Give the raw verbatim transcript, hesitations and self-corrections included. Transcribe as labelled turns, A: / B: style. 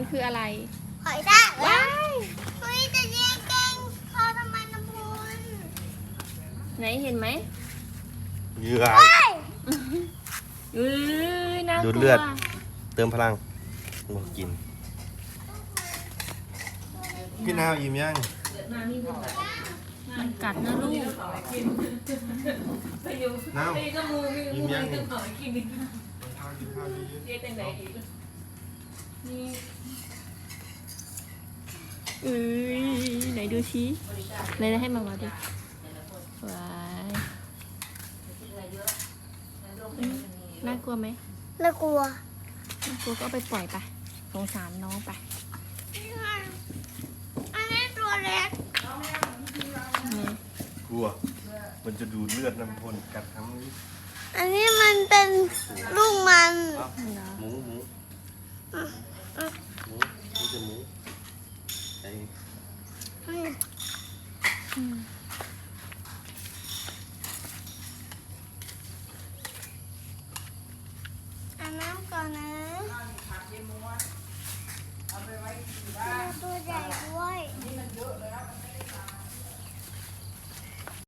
A: มันคืออะไร
B: หอยทากว้ายเฮ้ยจะแย่งแกงพอทำไมน้ำพุน
A: ไหนเห็นไหม
C: เหยื่อ
A: อือน่ากลัว
C: ดูดเลือดเติมพลังมากินพี่นาวอิ่มยัง
A: มันกัดนะลูก
C: นาวอิ่มยัง
A: เอ้ยไหนดูชี้ไหนให้มามาดูว้ายน่ากลัวไหม
B: น่ากลัว
A: น่ากลัวก็เอาไปปล่อยไปสงสารน้องไป
B: อันนี้ตัวเล็ก
C: กลัวมันจะดูดเลือดน้ำพลกัดทั้งนี้
B: อันนี้มันเป็นลูกมัน
C: หมูหมูหมูนี่จะหมูไอ้
B: อาบน้ำก่อนนะตัวใหญ่ด้วย